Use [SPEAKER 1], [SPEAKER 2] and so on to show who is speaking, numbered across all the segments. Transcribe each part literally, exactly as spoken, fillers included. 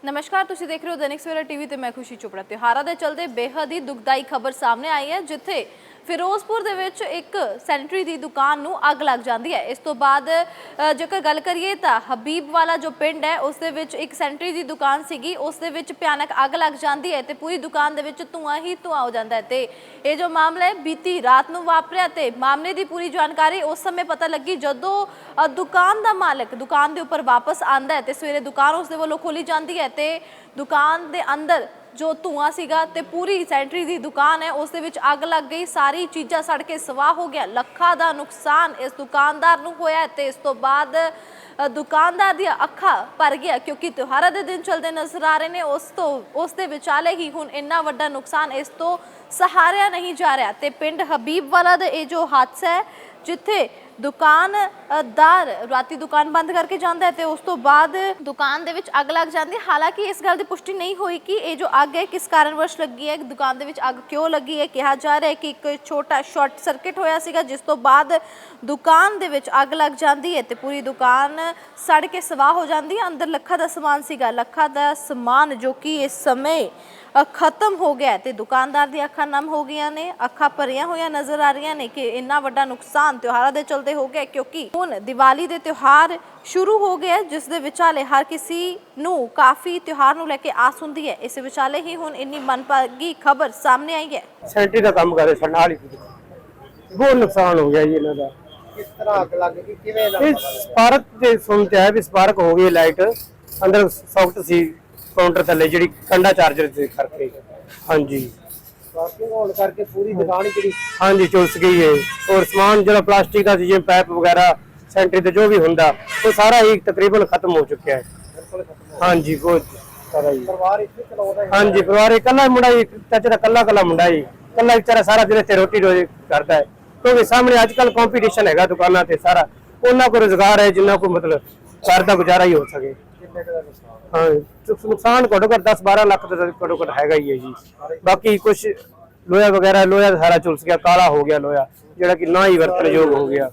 [SPEAKER 1] नमस्कार, तुसी देख रहे हो दैनिक सवेरा टीवी ते मैं खुशी चोपड़ा। त्योहारां दे चलदे बेहद ही दुखदाई खबर सामने आई है, जिथे फिरोजपुर दे विच एक सैनिटरी दी दुकान नूं अग लग जाती है। इस तो बाद जेकर गल करिए तां हबीब वाला जो पिंड है उस दे विच एक सैनिटरी दी दुकान सीगी, उस दे विच भयानक अग लग जाती है ते पूरी दुकान दे विच धुआं ही धुआं हो जाता है। ते ये जो मामला है बीती रात नूं वापरिया ते मामले की पूरी जानकारी उस समय पता लगी जदों दुकान दा मालिक दुकान दे उपर वापस आंदा है ते सवेरे दुकान उस दे वल्लों खोली जाती है ते दुकान दे अंदर जो धुआं सीगा ते पूरी सैनिटरी दी दुकान है उस दे विच अग लग गई। सारी चीज़ां सड़ के सवाह हो गया। लखां दा नुकसान इस दुकानदार नूं होया ते इस तो बाद दुकानदार दी अखा भर गया, क्योंकि त्योहारां दे दिन चलते नजर आ रहे हैं। उस तो उस दे विचाले ही हुण इन्ना वड्डा नुकसान इस तो सहारिया नहीं जा रहा। ते पिंड हबीब वाला दा ये जो हादसा है जिथे दुकानदार राती दुकान बंद करके जाता है तो उस तो बाद दुकान दे विच अग लग जाती है। हालांकि इस गल की पुष्टि नहीं हुई कि ये जो अग है किस कारणवश लगी है, दुकान दे विच अग क्यों लगी है। कहा जा रहा है कि एक छोटा शॉर्ट सर्किट होया सीगा जिस तो बाद दुकान दे विच अग लग जाती है तो पूरी दुकान सड़ के सवाह हो जाती है। अंदर लखा दा समान सीगा, लखा दा समान जो कि इस समय खत्म हो गया तो दुकानदार दी अखा नम हो गई ने, अखा भरिया हुई नजर आ रही ने कि इन्ना वड्डा नुकसान त्योहारों के चलते हो गया, क्योंकि हुण दिवाली दे त्योहार शुरू हो गए जिस दे विचाले हर किसी नू काफ़ी त्योहार नू लेके आस हुंदी है। इस विचाले ही हुण इन्नी मनभागी खबर सामने आई है।
[SPEAKER 2] सैनिटरी का काम करे नाल ही बहुत नुकसान हो गया जी इन्हां दा।
[SPEAKER 3] किस तरह अग लग गई, किवें लगा?
[SPEAKER 2] स्पार्क ते सुनते है भी स्पार्क हो गई, लाइट अंदर सॉफ्ट सी काउंटर थले जिहड़ी कंडा चार्जर से करके। हाँ जी,
[SPEAKER 3] स्पार्किंग होने करके पूरी दुकान ही ਜਿਹੜੀ
[SPEAKER 2] हाँ जी चुलस गई है। और समान जो प्लास्टिक का जिवें पैप वगैरह सैनिटरी ते जो भी हुंदा वो सारा ही तकरीबन खत्म हो चुका है।
[SPEAKER 3] बिल्कुल खत्म।
[SPEAKER 2] हाँ जी बहुत सारा ही।
[SPEAKER 3] परिवार इसे चलाਉਂਦਾ है।
[SPEAKER 2] हाँ जी परिवार इकला मुंडा ही, चाचे का कला कला मुंडा ही, कला बेचारा सारा दिन इत्थे रोटी रोजी करता है, क्योंकि सामने आजकल कंपीटीशन है दुकाना ते सारा उन्होंने को रोजगार है जिन्ना को मतलब घर का गुजारा ही हो सके।
[SPEAKER 3] ਕਿੰਨੇ ਕੁ ਦਾ ਨੁਕਸਾਨ?
[SPEAKER 2] हाँ नुकसान घटो घट दस बारह लाख घटो घट हैगा ही है जी। बाकी कुछ लोहा वगैरह लोहा सारा चुलस गया, काला हो गया लोहा जोड़ा कि ना ही वरतन योग हो गया।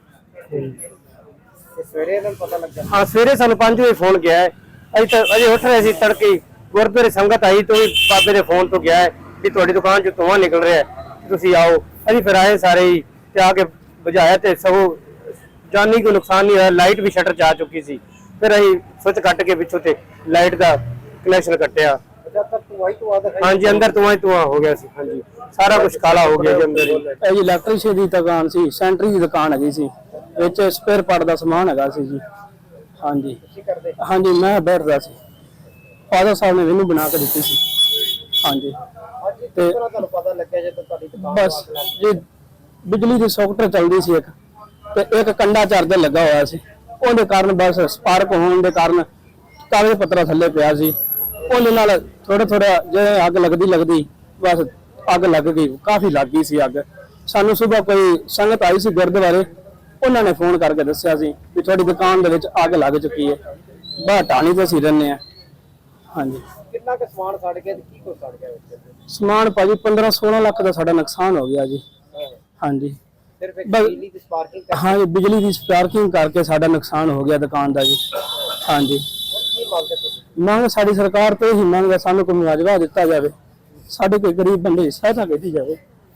[SPEAKER 3] ਇਹ ਸਵੇਰੇ ਇਹਨਾਂ ਨੂੰ ਪਤਾ ਲੱਗਾ।
[SPEAKER 2] हाँ सवेरे सानू पांच बजे फोन गया है, अजे तक अजे उठ रहे थे तड़के गुरुद्वारे संगत आई तो भी बाबे के फोन तो गया है कि तुहाडी दुकान चो धुआं निकल रहा है तुसीं आओ। अभी फिर आए सारे ही ते आके बुझाया तो सगों जानी कोई नुकसान नहीं होया। लाइट भी शटर जा चुकी सी, फिर अं स्विच कट के पिछों ते लाइट का कनैक्शन कटिया।
[SPEAKER 3] जब तक तू आई तो आदा
[SPEAKER 2] हाँ जी अंदर धुआं ही धुआं हो गया सी। हाँ जी सारा कुछ काला हो गया जी अंदर ही।
[SPEAKER 4] ਇਹ ਜੀ ਇਲੈਕਟ੍ਰੀਸ਼ੀਅਨ ਦੀ ਦੁਕਾਨ ਸੀ, ਸੈਂਟਰੀ ਦੀ ਦੁਕਾਨ ਹੈਗੀ ਸੀ, ਵਿੱਚ ਸਪੇਅਰ ਪਾਰਟ ਦਾ ਸਮਾਨ ਹੈਗਾ ਸੀ ਜੀ। ਹਾਂਜੀ
[SPEAKER 3] ਕੀ ਕਰਦੇ?
[SPEAKER 4] ਹਾਂਜੀ ਮੈਂ ਬੈਠਦਾ ਸੀ, ਫਾਦਰ ਸਾਹਿਬ ਨੇ ਮੈਨੂੰ ਬਣਾ ਕੇ ਦਿੱਤੀ ਸੀ। ਹਾਂਜੀ
[SPEAKER 3] ਅੱਜ ਕਿਸ ਤਰ੍ਹਾਂ ਤੁਹਾਨੂੰ ਪਤਾ ਲੱਗਿਆ ਜਦੋਂ ਤੁਹਾਡੀ ਦੁਕਾਨ
[SPEAKER 4] ਬਸ ਜੀ ਬਿਜਲੀ ਦੀ ਸੌਕਟ ਚੱਲਦੀ ਸੀ ਇੱਕ ਤੇ ਇੱਕ ਕੰਡਾ ਚਾਰਜਰ ਲੱਗਾ ਹੋਇਆ ਸੀ, ਉਹਦੇ ਕਾਰਨ ਬਸ ਸਪਾਰਕ ਹੋਣ ਦੇ ਕਾਰਨ ਕਾਗਜ਼ ਪੱਤਰਾ ਥੱਲੇ ਪਿਆ ਸੀ, ਉਹਦੇ ਨਾਲ ਥੋੜਾ ਥੋੜਾ ਜਿਵੇਂ ਅੱਗ ਲੱਗਦੀ ਲੱਗਦੀ ਬਸ ਅੱਗ ਲੱਗ ਗਈ, ਕਾਫੀ ਲੱਗ ਗਈ ਸੀ ਅੱਗ। ਸਾਨੂੰ ਸਵੇਰ ਕੋਈ ਸੰਗਤ ਆਈ ਸੀ ਗੁਰਦੁਆਰੇ, ਉਹਨਾਂ ਨੇ ਫੋਨ ਕਰਕੇ ਦੱਸਿਆ ਸੀ ਵੀ ਤੁਹਾਡੀ ਦੁਕਾਨ ਦੇ ਵਿੱਚ ਅੱਗ ਲੱਗ ਚੁੱਕੀ ਹੈ। ਬਾਹਰ ਟਾਣੀ ਤੇ ਅਸੀਂ ਰਹਿੰਦੇ ਆ। ਹਾਂਜੀ
[SPEAKER 3] ਕਿੰਨਾ ਕੁ ਸਮਾਨ ਸੜ ਗਿਆ ਤੇ ਕੀ ਕੁਝ ਸੜ ਗਿਆ ਵਿੱਚ?
[SPEAKER 4] ਸਮਾਨ ਭਾਜੀ ਪੰਦਰਾਂ ਸੋਲਾਂ ਲੱਖ ਦਾ ਸਾਡਾ ਨੁਕਸਾਨ ਹੋ ਗਿਆ ਜੀ। ਹਾਂਜੀ
[SPEAKER 3] ਸਿਰਫ ਇੱਕ ਬਿਜਲੀ ਦੀ ਸਪਾਰਕਿੰਗ ਕਰ
[SPEAKER 4] ਹਾਂ ਜੀ ਬਿਜਲੀ ਦੀ ਸਪਾਰਕਿੰਗ ਕਰਕੇ ਸਾਡਾ ਨੁਕਸਾਨ ਹੋ ਗਿਆ ਦੁਕਾਨ ਦਾ ਜੀ। ਹਾਂਜੀ
[SPEAKER 3] ਕੀ ਮੰਗਦੇ ਤੁਸੀਂ?
[SPEAKER 4] ਮੰਗ ਸਾਡੀ ਸਰਕਾਰ ਤੋਂ ਹੀ ਮੰਗ ਹੈ, ਸਾਨੂੰ ਕੋਈ ਮੁਆਵਜ਼ਾ ਦਿੱਤਾ ਜਾਵੇ, ਸਾਡੇ ਕੋਈ ਗਰੀਬ ਬੰਦੇ ਦੀ ਸਹਾਇਤਾ ਕੀਤੀ ਜਾਵੇ।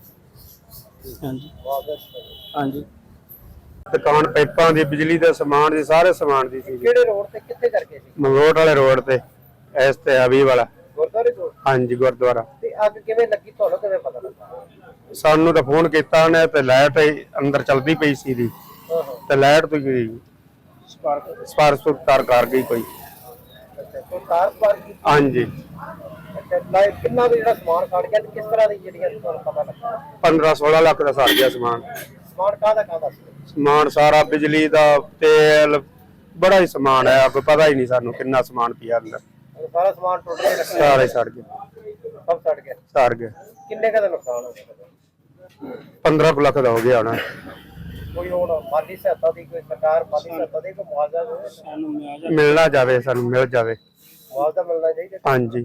[SPEAKER 4] ਹਾਂਜੀ ਹਾਂਜੀ
[SPEAKER 2] दुकान पाइपां दी बिजली दे समान दी सारे समान दी सी।
[SPEAKER 3] ਕਿਹੜੇ ਰੋਡ ਤੇ ਕਿੱਥੇ ਕਰਕੇ ਸੀ?
[SPEAKER 2] मंगलोट वाले रोड ते इस ते हबीब वाला।
[SPEAKER 3] ਗੁਰਦੁਆਰੇ ਤੋਂ?
[SPEAKER 2] हाँ जी गुरुद्वारा।
[SPEAKER 3] ਤੇ ਅੱਗ ਕਿਵੇਂ ਲੱਗੀ ਤੁਹਾਨੂੰ ਕਿਵੇਂ ਪਤਾ ਲੱਗਾ?
[SPEAKER 2] सानू तो फोन किया उन्हें ते लाइट अंदर चलती पई सी दी
[SPEAKER 3] ਹਾਂ ਹਾਂ
[SPEAKER 2] ते लाइट तो गई
[SPEAKER 3] ਸਪਾਰਕ।
[SPEAKER 2] स्पार्क सुर तार कर गई कोई।
[SPEAKER 3] ਅੱਛਾ ਤੋਂ ਕਾਰ ਸਪਾਰਕ।
[SPEAKER 2] हाँ जी
[SPEAKER 3] ਅੱਛਾ ਲਾਈਟ ਕਿੰਨਾ ਕੁ ਜਿਹੜਾ ਸਮਾਨ ਸੜ ਗਿਆ ਤੇ ਕਿਸ ਤਰ੍ਹਾਂ ਦੀ ਜਿਹੜੀਆਂ ਤੁਹਾਨੂੰ ਪਤਾ ਲੱਗਾ?
[SPEAKER 2] पंद्रह सोलह लाख का सड़ गया समान।
[SPEAKER 3] ਸਮਾਨ ਕਾਹਦਾ ਕਾਹਦਾ ਸੀ?
[SPEAKER 2] समान सारा बिजली दा तेल बड़ा ही समान है, कोई पता ही नहीं सानू कितना समान पिया अंदर।
[SPEAKER 3] ਸਾਰਾ ਸਮਾਨ ਟੁੱਟ ਗਿਆ?
[SPEAKER 2] सारा ही सड़ गया
[SPEAKER 3] ਸਭ ਸੜ ਗਿਆ।
[SPEAKER 2] सड़ गया।
[SPEAKER 3] ਕਿੰਨੇ ਕੁ ਦਾ ਨੁਕਸਾਨ ਹੋ ਗਿਆ?
[SPEAKER 2] पंद्रह लाख का हो गया होना।
[SPEAKER 3] ਕੋਈ ਹੁਣ ਮਾਲੀ ਸਹਾਇਤਾ ਦੀ ਕੋਈ ਸਰਕਾਰ ਮਾਲੀ ਸਹਾਇਤਾ ਦੀ ਕੋਈ ਮੁਆਵਜ਼ਾ ਦੇ?
[SPEAKER 4] ਸਾਨੂੰ ਮੁਆਵਜ਼ਾ
[SPEAKER 2] मिलना जावे सानू मिल जावे।
[SPEAKER 3] ਮੁਆਵਜ਼ਾ ਮਿਲਣਾ ਚਾਹੀਦਾ।
[SPEAKER 2] हाँ जी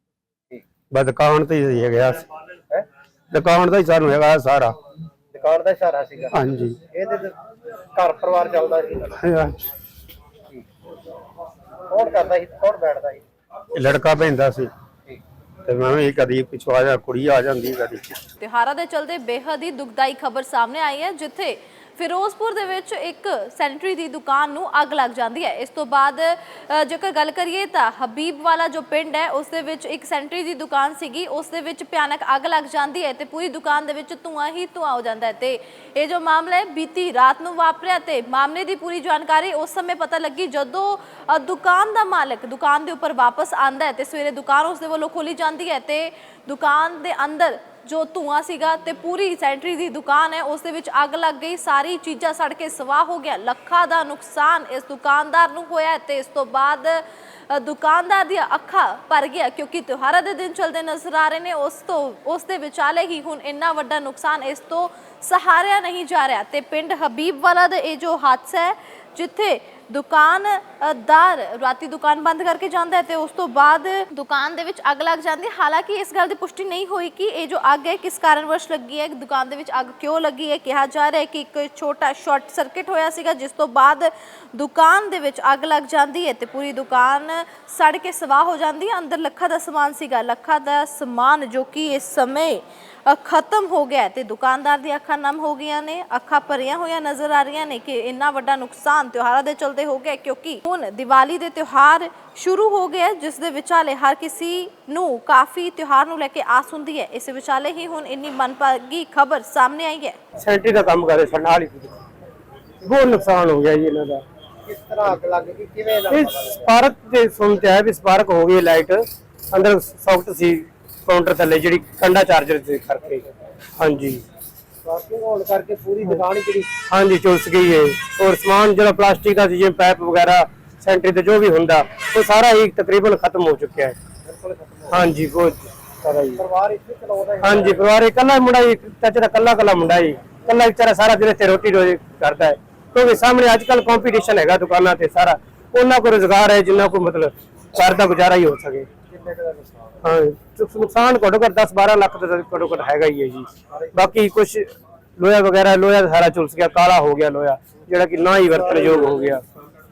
[SPEAKER 2] बस दुकान तो ही है गया,
[SPEAKER 3] ਹੈ
[SPEAKER 2] दुकान तो ही सानू है सारा।
[SPEAKER 3] ਦੁਕਾਨ ਦਾ ਸਹਾਰਾ ਸੀਗਾ।
[SPEAKER 2] हाँ जी
[SPEAKER 3] ਇਹਦੇ ਤੇ ਘਰ ਪਰਿਵਾਰ ਚੱਲਦਾ ਸੀ।
[SPEAKER 2] हाँ।
[SPEAKER 3] ਕੌਣ ਕਰਦਾ ਸੀ, ਕੌਣ ਬੈਠਦਾ ਸੀ?
[SPEAKER 5] ਲੜਕਾ ਪੈਂਦਾ ਸੀ ਤੇ ਮੈਂ ਵੀ ਕਦੀ ਪਿਛਵਾ ਜਾ ਕੁੜੀ ਆ ਜਾਂਦੀ ਕਦੀ।
[SPEAKER 1] ਤਿਉਹਾਰਾਂ ਦੇ ਚਲਦੇ ਬੇਹੱਦ ਹੀ ਦੁਖਦਾਈ ਖਬਰ ਸਾਹਮਣੇ ਆਈ ਹੈ, ਜਿੱਥੇ ਫਿਰੋਜ਼ਪੁਰ ਦੇ ਵਿੱਚ ਇੱਕ ਸੈਨੇਟਰੀ ਦੀ ਦੁਕਾਨ ਨੂੰ ਅੱਗ ਲੱਗ ਜਾਂਦੀ ਹੈ। ਇਸ ਤੋਂ ਬਾਅਦ ਅ, ਜੇਕਰ ਗੱਲ ਕਰੀਏ ਤਾਂ ਹਬੀਬ ਵਾਲਾ ਜੋ ਪਿੰਡ ਹੈ ਉਸ ਦੇ ਵਿੱਚ ਇੱਕ ਸੈਨੇਟਰੀ ਦੀ ਦੁਕਾਨ ਸੀਗੀ, ਉਸ ਦੇ ਵਿੱਚ ਭਿਆਨਕ ਅੱਗ ਲੱਗ ਜਾਂਦੀ ਹੈ ਤੇ ਪੂਰੀ ਦੁਕਾਨ ਦੇ ਵਿੱਚ ਧੂਆਂ ਹੀ ਧੂਆਂ ਹੋ ਜਾਂਦਾ ਹੈ। ਤੇ ਇਹ ਜੋ ਮਾਮਲਾ ਹੈ ਬੀਤੀ ਰਾਤ ਨੂੰ ਵਾਪਰਿਆ ਤੇ ਮਾਮਲੇ ਦੀ ਪੂਰੀ ਜਾਣਕਾਰੀ ਉਸ ਸਮੇਂ ਪਤਾ ਲੱਗੀ ਜਦੋਂ ਅ, ਦੁਕਾਨ ਦਾ ਮਾਲਕ ਦੁਕਾਨ ਦੇ ਉੱਪਰ ਵਾਪਸ ਆਂਦਾ ਹੈ ਤੇ ਸਵੇਰੇ ਦੁਕਾਨ ਉਸ ਦੇ ਵੱਲੋਂ ਖੋਲੀ ਜਾਂਦੀ ਹੈ ਤੇ ਦੁਕਾਨ ਦੇ ਅੰਦਰ ਜੋ ਧੂਆਂ ਸੀਗਾ ਤੇ ਪੂਰੀ ਸੈਨੇਟਰੀ ਦੀ ਦੁਕਾਨ ਹੈ ਉਸ ਦੇ ਵਿੱਚ ਅੱਗ ਲੱਗ ਗਈ। ਸਾਰੀ ਚੀਜ਼ਾਂ ਸੜ ਕੇ ਸਵਾਹ ਹੋ ਗਿਆ। ਲੱਖਾਂ ਦਾ ਨੁਕਸਾਨ ਇਸ ਦੁਕਾਨਦਾਰ ਨੂੰ ਹੋਇਆ ਤੇ ਇਸ ਤੋਂ ਬਾਅਦ ਅ, ਦੁਕਾਨਦਾਰ ਦੀਆਂ ਅੱਖਾਂ ਭਰ ਗਿਆ, ਕਿਉਂਕਿ ਤਿਉਹਾਰਾਂ ਦੇ ਦਿਨ ਚੱਲਦੇ ਨਜ਼ਰ ਆ ਰਹੇ ਨੇ। ਉਸ ਤੋਂ ਉਸ ਦੇ ਵਿਚਾਲੇ ਹੀ ਹੁਣ ਇੰਨਾ ਵੱਡਾ ਨੁਕਸਾਨ ਇਸ ਤੋਂ ਸਹਾਰਿਆ ਨਹੀਂ ਜਾ ਰਿਹਾ। ਤੇ ਪਿੰਡ ਹਬੀਬ ਵਾਲਾ ਦਾ ਇਹ ਜੋ ਹਾਦਸਾ ਹੈ, ਜਿੱਥੇ ਦੁਕਾਨਦਾਰ ਰਾਤੀ ਦੁਕਾਨ ਬੰਦ ਕਰਕੇ ਜਾਂਦਾ ਹੈ ਤੇ ਉਸ ਤੋਂ ਬਾਅਦ ਦੁਕਾਨ ਦੇ ਵਿੱਚ ਅੱਗ ਲੱਗ ਜਾਂਦੀ ਹੈ। ਹਾਲਾਂਕਿ ਇਸ ਗੱਲ ਦੀ ਪੁਸ਼ਟੀ ਨਹੀਂ ਹੋਈ ਕਿ ਇਹ ਜੋ ਅੱਗ ਹੈ ਕਿਸ ਕਾਰਨਵਸ਼ ਲੱਗੀ ਹੈ, ਦੁਕਾਨ ਦੇ ਵਿੱਚ ਅੱਗ ਕਿਉਂ ਲੱਗੀ ਹੈ। ਕਿਹਾ ਜਾ ਰਿਹਾ ਹੈ ਕਿ ਇੱਕ ਛੋਟਾ ਸ਼ਾਰਟ ਸਰਕਟ ਹੋਇਆ ਸੀਗਾ, ਜਿਸ ਤੋਂ ਬਾਅਦ ਦੁਕਾਨ ਦੇ ਵਿੱਚ ਅੱਗ ਲੱਗ ਜਾਂਦੀ ਹੈ ਤੇ ਪੂਰੀ ਦੁਕਾਨ ਸੜ ਕੇ ਸਵਾਹ ਹੋ ਜਾਂਦੀ ਹੈ। ਅੰਦਰ ਲੱਖਾਂ ਦਾ ਸਮਾਨ ਸੀਗਾ, ਲੱਖਾਂ ਦਾ ਸਮਾਨ ਜੋ ਕਿ ਇਸ ਸਮੇਂ ਖਤਮ ਹੋ ਗਿਆ ਤੇ ਦੁਕਾਨਦਾਰ ਦੀਆਂ ਅੱਖਾਂ ਨਮ ਹੋ ਗਈਆਂ ਨੇ, ਅੱਖਾਂ ਭਰੀਆਂ ਹੋਈਆਂ ਨਜ਼ਰ ਆ ਰਹੀਆਂ ਨੇ ਕਿ ਇੰਨਾ ਵੱਡਾ ਨੁਕਸਾਨ ਤਿਉਹਾਰਾਂ ਦੇ ਚਲਦੇ ਹੋ ਗਿਆ, ਕਿਉਂਕਿ ਹੁਣ ਦੀਵਾਲੀ ਦੇ ਤਿਉਹਾਰ ਸ਼ੁਰੂ ਹੋ ਗਏ ਜਿਸ ਦੇ ਵਿਚਾਲੇ ਹਰ ਕਿਸੇ ਨੂੰ ਕਾਫੀ ਤਿਉਹਾਰ ਨੂੰ ਲੈ ਕੇ ਆਸ ਹੁੰਦੀ ਹੈ। ਇਸ ਵਿਚਾਲੇ ਹੀ ਹੁਣ ਇੰਨੀ ਮਨਪਾਗੀ ਖਬਰ ਸਾਹਮਣੇ ਆਈ ਹੈ।
[SPEAKER 2] ਸੈਂਟਰੀ ਦਾ ਕੰਮ ਕਰਦੇ ਸਾਡੇ ਨਾਲ ਹੀ ਬਹੁਤ ਨੁਕਸਾਨ ਹੋ ਗਿਆ ਜੀ ਇਹਨਾਂ ਦਾ।
[SPEAKER 3] ਕਿਸ ਤਰ੍ਹਾਂ ਅੱਗ ਲੱਗ ਗਈ, ਕਿਵੇਂ ਲੱਗ
[SPEAKER 2] ਇਹ ਸਪਾਰਕ ਤੇ ਸੁਣਤੇ ਆਇਆ ਵੀ ਸਪਾਰਕ ਹੋ ਗਈ ਲਾਈਟ, ਅੰਦਰ ਸੌਕਟ ਸੀ ਕਾਊਂਟਰ ਥੱਲੇ ਜਿਹੜੀ ਕੰਡਾ ਚਾਰਜਰ ਦੇ ਕਰਕੇ। ਹਾਂਜੀ
[SPEAKER 3] ਪਾਰਕਿੰਗ ਹੋਣ ਕਰਕੇ ਪੂਰੀ ਦੁਕਾਨ ਹੀ ਜਿਹੜੀ
[SPEAKER 2] ਹਾਂਜੀ ਚੁਲਸ ਗਈ ਹੈ। ਔਰ ਸਮਾਨ ਜਿਹੜਾ ਪਲਾਸਟਿਕ ਦਾ ਸੀ ਜਿਵੇਂ ਪਾਈਪ ਵਗੈਰਾ ਸੈਂਟਰੀ ਤੇ ਜੋ ਵੀ ਹੁੰਦਾ ਉਹ ਸਾਰਾ ਹੀ ਤਕਰੀਬਨ ਖਤਮ ਹੋ ਚੁੱਕਿਆ ਹੈ।
[SPEAKER 3] ਬਿਲਕੁਲ ਖਤਮ ਹੋ
[SPEAKER 2] ਹਾਂਜੀ ਬਹੁਤ ਸਾਰਾ ਜੀ।
[SPEAKER 3] ਗਿਆ। ਪਰਿਵਾਰ ਇੱਥੇ ਚਲਾਉਂਦਾ ਹੈ।
[SPEAKER 2] ਹਾਂਜੀ ਪਰਿਵਾਰ ਇਕੱਲਾ ਮੁੰਡਾ ਹੀ, ਚਾਚੇ ਦਾ ਇਕੱਲਾ ਇਕੱਲਾ ਮੁੰਡਾ ਹੀ, ਇਕੱਲਾ ਵਿਚਾਰਾ ਸਾਰਾ ਦਿਨ ਇੱਥੇ ਰੋਟੀ ਰੋਜੀ ਕਰਦਾ ਹੈ, ਕਿਉਂਕਿ ਸਾਹਮਣੇ ਅੱਜ ਕੱਲ ਕੰਪੀਟੀਸ਼ਨ ਹੈਗਾ ਦੁਕਾਨਾਂ ਤੇ ਸਾਰਾ, ਉਹਨਾਂ ਕੋਲ ਰੁਜ਼ਗਾਰ ਹੈ ਜਿੰਨਾ ਕੋ ਮਤਲਬ ਘਰ ਦਾ ਗੁਜ਼ਾਰਾ ਹੀ ਹੋ ਸਕੇ।
[SPEAKER 3] ਕਿੰਨੇ ਕੁ ਦਾ ਨੁਕਸਾਨ ਹੈ?
[SPEAKER 2] ਹਾਂ ਨੁਕਸਾਨ ਘੱਟੋ ਘੱਟ ਦਸ ਬਾਰਾਂ ਲੱਖ ਦਾ ਘੱਟੋ ਘੱਟ ਹੈਗਾ ਹੀ ਹੈ ਜੀ। ਬਾਕੀ ਕੁਝ ਲੋਹਾ ਵਗੈਰਾ, ਲੋਹਾ ਸਾਰਾ ਝੁਲਸ ਗਿਆ, ਕਾਲਾ ਹੋ ਗਿਆ ਲੋਹਾ, ਜਿਹੜਾ ਕਿ ਨਾ ਹੀ ਵਰਤਣਯੋਗ ਹੋ ਗਿਆ।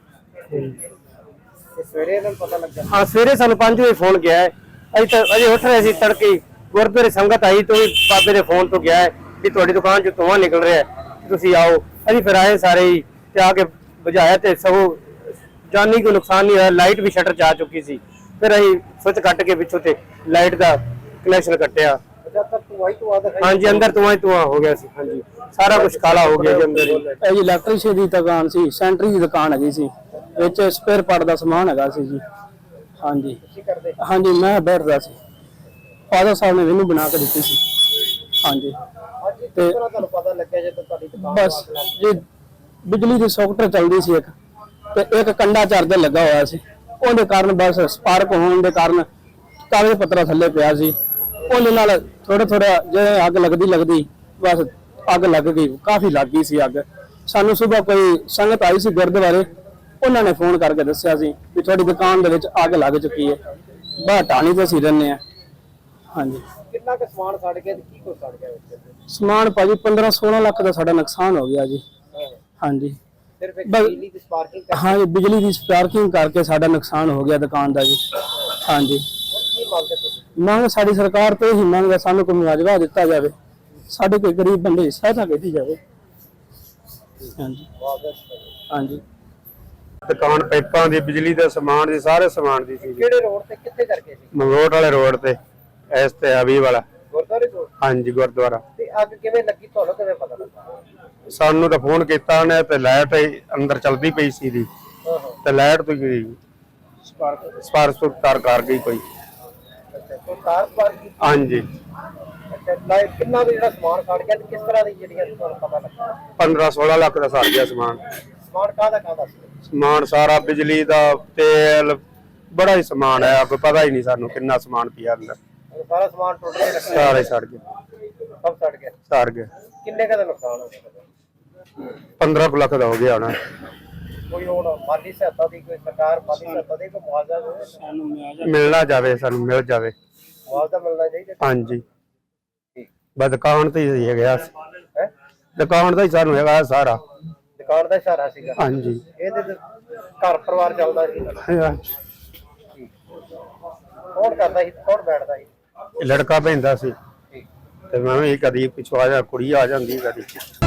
[SPEAKER 3] ਤੇ ਸਵੇਰੇ ਇਹਨਾਂ ਨੂੰ ਪਤਾ ਲੱਗਾ।
[SPEAKER 2] ਹਾਂ ਸਵੇਰੇ ਸਾਨੂੰ ਪੰਜ ਵਜੇ ਫੋਨ ਗਿਆ ਹੈ, ਅਸੀਂ ਤਾਂ ਅਜੇ ਉੱਠ ਰਹੇ ਸੀ ਤੜਕੇ ਹੀ, ਗੁਰਦੁਆਰੇ ਸੰਗਤ ਆਈ ਤੋਂ ਵੀ ਬਾਬੇ ਦੇ ਫੋਨ ਤੋਂ ਗਿਆ ਹੈ ਕਿ ਤੁਹਾਡੀ ਦੁਕਾਨ ਚੋਂ ਧੂੰਆਂ ਨਿਕਲ ਰਿਹਾ ਹੈ, ਤੁਸੀਂ ਆਓ। ਅਸੀਂ ਫਿਰ ਆਏ ਸਾਰੇ ਹੀ ਤੇ ਆ ਕੇ ਬੁਝਾਇਆ ਤੇ ਸਗੋਂ ਜਾਨੀ ਕੋਈ ਨੁਕਸਾਨ ਨਹੀਂ ਹੋਇਆ। ਲਾਈਟ ਵੀ ਸ਼ਟਰ 'ਚ ਆ ਚੁੱਕੀ ਸੀ, ਫਿਰ ਅਸੀਂ ਸੁੱਚ ਕੱਟ ਕੇ ਪਿੱਛੋਂ ਤੇ ਲਾਈਟ ਦਾ ਕਨੈਕਸ਼ਨ ਕੱਟਿਆ।
[SPEAKER 3] ਜਦ ਤੱਕ ਤੂੰ ਆਈ ਤੂੰ ਆਦਾ
[SPEAKER 2] ਹਾਂਜੀ ਅੰਦਰ ਧੂੰਆਂ ਹੀ ਧੂੰਆਂ ਹੋ ਗਿਆ ਸੀ। ਹਾਂਜੀ ਸਾਰਾ ਕੁਝ ਕਾਲਾ ਹੋ ਗਿਆ ਜੀ ਅੰਦਰ ਹੀ।
[SPEAKER 4] ਇਹ ਜੀ ਇਲੈਕਟ੍ਰੀਸ਼ੀਅਨ ਦੀ ਦੁਕਾਨ ਸੀ, ਸੈਂਟਰੀ ਦੀ ਦੁਕਾਨ ਹੈਗੀ ਸੀ, ਵਿੱਚ ਸਪੇਅਰ ਪਾਰਟ ਦਾ ਸਮਾਨ ਹੈਗਾ ਸੀ ਜੀ। ਹਾਂਜੀ
[SPEAKER 3] ਕੀ ਕਰਦੇ?
[SPEAKER 4] ਹਾਂਜੀ ਮੈਂ ਬੈਠਦਾ ਸੀ, ਫਾਦਰ ਸਾਹਿਬ ਨੇ ਮੈਨੂੰ ਬਣਾ ਕੇ ਦਿੱਤੀ ਸੀ। ਹਾਂਜੀ
[SPEAKER 3] ਅੱਜ ਕਿਸ ਤਰ੍ਹਾਂ ਤੁਹਾਨੂੰ ਪਤਾ ਲੱਗਿਆ ਜਦੋਂ ਤੁਹਾਡੀ ਦੁਕਾਨ
[SPEAKER 4] ਬਸ ਜੀ ਬਿਜਲੀ ਦੀ ਸੌਕਟ ਚੱਲਦੀ ਸੀ ਇੱਕ, ਤੇ ਇੱਕ ਕੰਡਾ ਚਾਰਜਰ ਲੱਗਾ ਹੋਇਆ ਸੀ, ਉਹਦੇ ਕਾਰਨ ਬਸ ਸਪਾਰਕ ਹੋਣ ਦੇ ਕਾਰਨ ਕਾਗਜ਼ ਪੱਤਰਾ ਥੱਲੇ ਪਿਆ ਸੀ, ਉਹਦੇ ਨਾਲ ਥੋੜਾ ਥੋੜਾ ਜਿਵੇਂ ਅੱਗ ਲੱਗਦੀ ਲੱਗਦੀ ਬਸ ਅੱਗ ਲੱਗ ਗਈ, ਕਾਫੀ ਲੱਗ ਗਈ ਸੀ ਅੱਗ। ਸਾਨੂੰ ਸਵੇਰ ਕੋਈ ਸੰਗਤ ਆਈ ਸੀ ਗੁਰਦੁਆਰੇ, ਉਹਨਾਂ ਨੇ ਫੋਨ ਕਰਕੇ ਦੱਸਿਆ ਸੀ ਵੀ ਤੁਹਾਡੀ ਦੁਕਾਨ ਦੇ ਵਿੱਚ ਅੱਗ ਲੱਗ ਚੁੱਕੀ ਹੈ। ਬਾਹਰ ਟਾਣੀ ਤੇ ਅਸੀਂ ਰਹਿੰਦੇ ਆ। ਹਾਂਜੀ
[SPEAKER 3] ਕਿੰਨਾ ਕੁ ਸਮਾਨ ਸੜ ਗਿਆ ਤੇ ਕੀ ਕੁਛ ਸੜ ਗਿਆ ਵਿੱਚ?
[SPEAKER 4] ਸਮਾਨ ਭਾਜੀ ਪੰਦਰਾਂ ਸੋਲਾਂ ਲੱਖ ਦਾ ਸਾਡਾ ਨੁਕਸਾਨ ਹੋ ਗਿਆ ਜੀ। ਹਾਂਜੀ
[SPEAKER 3] ਸਿਰਫ ਇੱਕ
[SPEAKER 4] ਬਸ-
[SPEAKER 3] ਬਿਜਲੀ ਦੀ ਸਪਾਰਕਿੰਗ ਕਰ
[SPEAKER 4] ਹਾਂ ਜੀ ਬਿਜਲੀ ਦੀ ਸਪਾਰਕਿੰਗ ਕਰਕੇ ਸਾਡਾ ਨੁਕਸਾਨ ਹੋ ਗਿਆ ਦੁਕਾਨ ਦਾ ਜੀ। ਹਾਂਜੀ
[SPEAKER 3] ਕੀ ਮੰਗਦੇ ਤੁਸੀਂ?
[SPEAKER 4] ਮੰਗ ਸਾਡੀ ਸਰਕਾਰ ਤੋਂ ਹੀ ਮੰਗ ਹੈ, ਸਾਨੂੰ ਕੋਈ ਮੁਆਵਜ਼ਾ ਦਿੱਤਾ ਜਾਵੇ, ਸਾਡੇ ਕੋਈ ਗਰੀਬ ਬੰਦੇ ਦੀ ਸਹਾਇਤਾ ਕੀਤੀ ਜਾਵੇ। ਹਾਂਜੀ ਹਾਂਜੀ
[SPEAKER 5] ਦੁਕਾਨ ਪਾਈਪਾਂ ਦੀ, ਬਿਜਲੀ ਦਾ ਸਮਾਨ ਦੀ, ਸਾਰੇ ਸਮਾਨ ਦੀ ਸੀ।
[SPEAKER 3] ਕਿਹੜੇ ਰੋਡ ਤੇ ਕਿੱਥੇ ਕਰਕੇ ਸੀ?
[SPEAKER 5] ਮੰਗੋਟ ਵਾਲੇ ਰੋਡ ਤੇ, ਇਸ ਤੇ ਹਬੀਬ ਵਾਲਾ।
[SPEAKER 3] ਗੁਰਦੁਆਰੇ ਕੋਲ?
[SPEAKER 5] ਹਾਂਜੀ ਗੁਰਦੁਆਰਾ।
[SPEAKER 3] ਤੇ ਅੱਗ ਕਿਵੇਂ ਲੱਗੀ ਤੁਹਾਨੂੰ ਕਿਵੇਂ ਪਤਾ ਲੱਗਾ?
[SPEAKER 5] ਸਾਨੂੰ ਤਾਂ ਫੋਨ ਕੀਤਾ ਉਹਨੇ ਤੇ ਲਾਈਟ ਅੰਦਰ ਚੱਲਦੀ ਪਈ ਸੀ ਦੀ,
[SPEAKER 3] ਹਾਂ ਹਾਂ
[SPEAKER 5] ਤੇ ਲਾਈਟ ਤੋਂ ਗਈ
[SPEAKER 3] ਸਪਾਰਕ।
[SPEAKER 5] ਸਪਾਰਕ ਤਾਰ ਕਰ ਗਈ ਕੋਈ।
[SPEAKER 3] ਅੱਛਾ ਕੋਈ ਕਾਰ ਸਪਾਰਕ?
[SPEAKER 5] ਹਾਂਜੀ
[SPEAKER 3] ਅੱਛਾ ਲਾਈਟ ਕਿੰਨਾ ਦਾ ਜਿਹੜਾ ਸਮਾਨ ਸੜ ਗਿਆ ਤੇ ਕਿਸ ਤਰ੍ਹਾਂ ਦੀ ਜਿਹੜੀਆਂ ਤੁਹਾਨੂੰ ਪਤਾ ਲੱਗਾ?
[SPEAKER 5] ਪੰਦਰਾਂ ਸੋਲਾਂ ਲੱਖ ਦਾ ਸੜ ਗਿਆ ਸਮਾਨ।
[SPEAKER 3] ਸਮਾਨ ਕਾਹਦਾ ਕਾਹਦਾ ਸੀ?
[SPEAKER 5] ਸਮਾਨ ਸਾਰਾ ਬਿਜਲੀ ਦਾ, ਤੇਲ, ਬੜਾ ਹੀ ਸਮਾਨ ਹੈ, ਕੋਈ ਪਤਾ ਹੀ ਨਹੀਂ ਸਾਨੂੰ ਕਿੰਨਾ ਸਮਾਨ ਪਿਆ ਅੰਦਰ।
[SPEAKER 3] ਉਹ ਸਾਰਾ ਸਮਾਨ ਟੁੱਟ ਕੇ ਰੱਖਿਆ?
[SPEAKER 5] ਸਾਰਾ ਹੀ ਸੜ ਗਿਆ,
[SPEAKER 3] ਸਭ ਸੜ ਗਿਆ।
[SPEAKER 5] ਸੜ ਗਿਆ।
[SPEAKER 3] ਕਿੰਨੇ ਕੁ ਦਾ ਨੁਕਸਾਨ ਹੋ ਗਿਆ?
[SPEAKER 5] ਪੰਦਰਾਂ ਕੁ ਲੱਖ ਦਾ ਹੋ ਗਿਆ ਹੋਣਾ।
[SPEAKER 3] ਕੋਈ ਹੁਣ ਮਾਲੀ ਸਹਾਇਤਾ ਦੀ, ਕੋਈ ਸਰਕਾਰ ਮਾਲੀ ਸਹਾਇਤਾ ਦੇ, ਕੋਈ ਮੁਆਵਜ਼ਾ ਦੇ?
[SPEAKER 5] ਮਿਲਣਾ ਜਾਵੇ, ਸਾਨੂੰ ਮਿਲ ਜਾਵੇ।
[SPEAKER 3] ਮੁਆਵਜ਼ਾ ਮਿਲਣਾ ਚਾਹੀਦਾ।
[SPEAKER 5] ਹਾਂਜੀ ਬਸ ਦੁਕਾਨ ਤੇ ਹੀ ਹੈਗਾ,
[SPEAKER 3] ਹੈ
[SPEAKER 5] ਦੁਕਾਨ ਦਾ ਹੀ ਸਾਨੂੰ ਹੈਗਾ ਸਾਰਾ।
[SPEAKER 3] ਦੁਕਾਨ ਦਾ ਇਸ਼ਾਰਾ ਸੀਗਾ?
[SPEAKER 5] ਹਾਂਜੀ
[SPEAKER 3] ਇਹਦੇ ਤੇ ਘਰ ਪਰਿਵਾਰ ਚੱਲਦਾ ਸੀ?
[SPEAKER 5] ਹਾਂਜੀ।
[SPEAKER 3] ਕੌਣ ਕਰਦਾ ਸੀ ਕੌਣ ਬੈਠਦਾ ਸੀ?
[SPEAKER 5] ਇਹ ਲੜਕਾ ਪੈਂਦਾ ਸੀ ਤੇ ਮੈਂ ਵੀ ਕਦੀ ਪਿਛਵਾ ਜਾ ਕੁੜੀ ਆ ਜਾਂਦੀ ਕਦੀ